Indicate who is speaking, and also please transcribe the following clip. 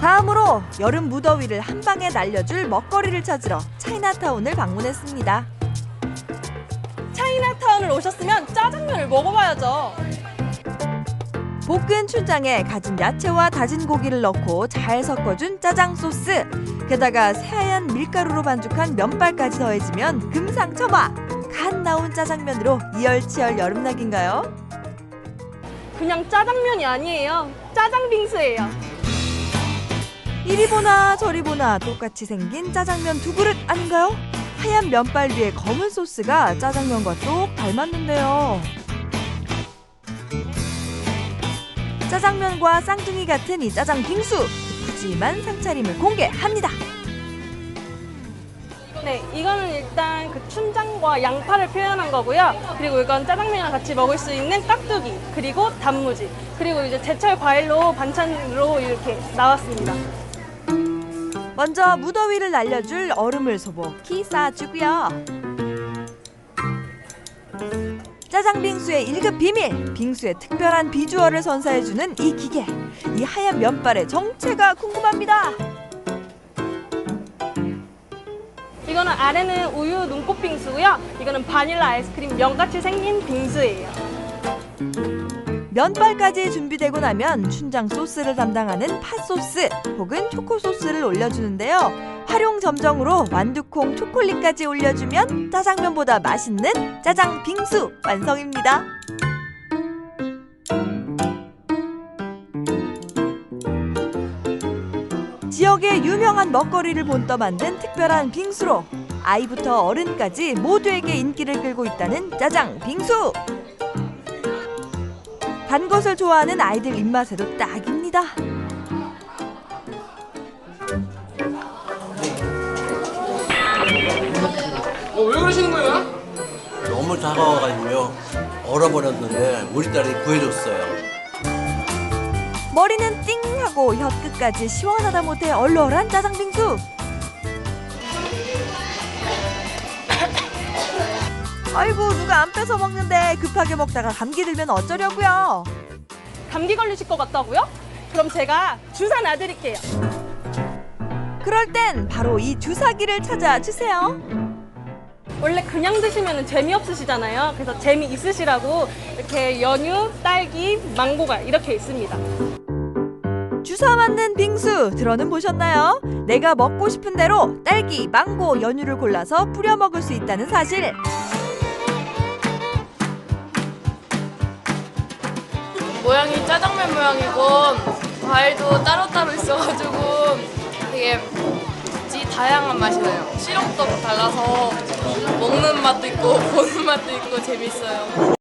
Speaker 1: 다음으로 여름 무더위를 한 방에 날려줄 먹거리를 찾으러 차이나타운을 방문했습니다.
Speaker 2: 차이나타운을 오셨으면 짜장면을 먹어봐야죠.
Speaker 1: 볶은 춘장에 가진 야채와 다진 고기를 넣고 잘 섞어준 짜장 소스, 게다가 새하얀 밀가루로 반죽한 면발까지 더해지면 금상첨화! 간 나온 짜장면으로 이열치열 여름나기인가요?
Speaker 2: 그냥 짜장면이 아니에요. 짜장 빙수예요.
Speaker 1: 이리 보나 저리 보나 똑같이 생긴 짜장면 두 그릇 아닌가요? 하얀 면발 위에 검은 소스가 짜장면과 똑 닮았는데요. 짜장면과 쌍둥이 같은 이 짜장 빙수, 푸짐한 상차림을 공개합니다.
Speaker 2: 네, 이거는 일단 그 춘장과 양파를 표현한 거고요. 그리고 이건 짜장면이랑 같이 먹을 수 있는 깍두기, 그리고 단무지, 그리고 이제 제철 과일로 반찬으로 이렇게 나왔습니다.
Speaker 1: 먼저 무더위를 날려줄 얼음을 소복히 쌓아주고요. 짜장 빙수의 1급 비밀, 빙수의 특별한 비주얼을 선사해주는 이 기계. 이 하얀 면발의 정체가 궁금합니다.
Speaker 2: 이거는 아래는 우유 눈꽃 빙수고요. 이거는 바닐라 아이스크림 면같이 생긴 빙수예요.
Speaker 1: 면발까지 준비되고 나면 춘장 소스를 담당하는 팥소스 혹은 초코소스를 올려주는데요. 활용 점정으로 완두콩 초콜릿까지 올려주면 짜장면보다 맛있는 짜장 빙수 완성입니다. 지역의 유명한 먹거리를 본떠 만든 특별한 빙수로 아이부터 어른까지 모두에게 인기를 끌고 있다는 짜장 빙수. 단 것을 좋아하는 아이들 입맛에도 딱입니다.
Speaker 3: 왜 그러시는 거예요?
Speaker 4: 너무 차가워가지고요. 얼어버렸는데 우리 딸이 구해줬어요.
Speaker 1: 머리는 띵하고 혀끝까지 시원하다 못해 얼얼한 짜장 빙수. 아이고 누가 안 뺏어 먹는데 급하게 먹다가 감기 들면 어쩌려고요.
Speaker 2: 감기 걸리실 것 같다고요? 그럼 제가 주사 놔드릴게요.
Speaker 1: 그럴 땐 바로 이 주사기를 찾아주세요.
Speaker 2: 원래 그냥 드시면 재미없으시잖아요. 그래서 재미있으시라고 이렇게 연유, 딸기, 망고가 이렇게 있습니다.
Speaker 1: 주사 맞는 빙수 들어는 보셨나요? 내가 먹고 싶은 대로 딸기, 망고, 연유를 골라서 뿌려 먹을 수 있다는 사실.
Speaker 5: 모양이 짜장면 모양이고 과일도 따로따로 있어가지고 되게 다양한 맛이 나요. 시럽도 달라서 먹는 맛도 있고 보는 맛도 있고 재밌어요.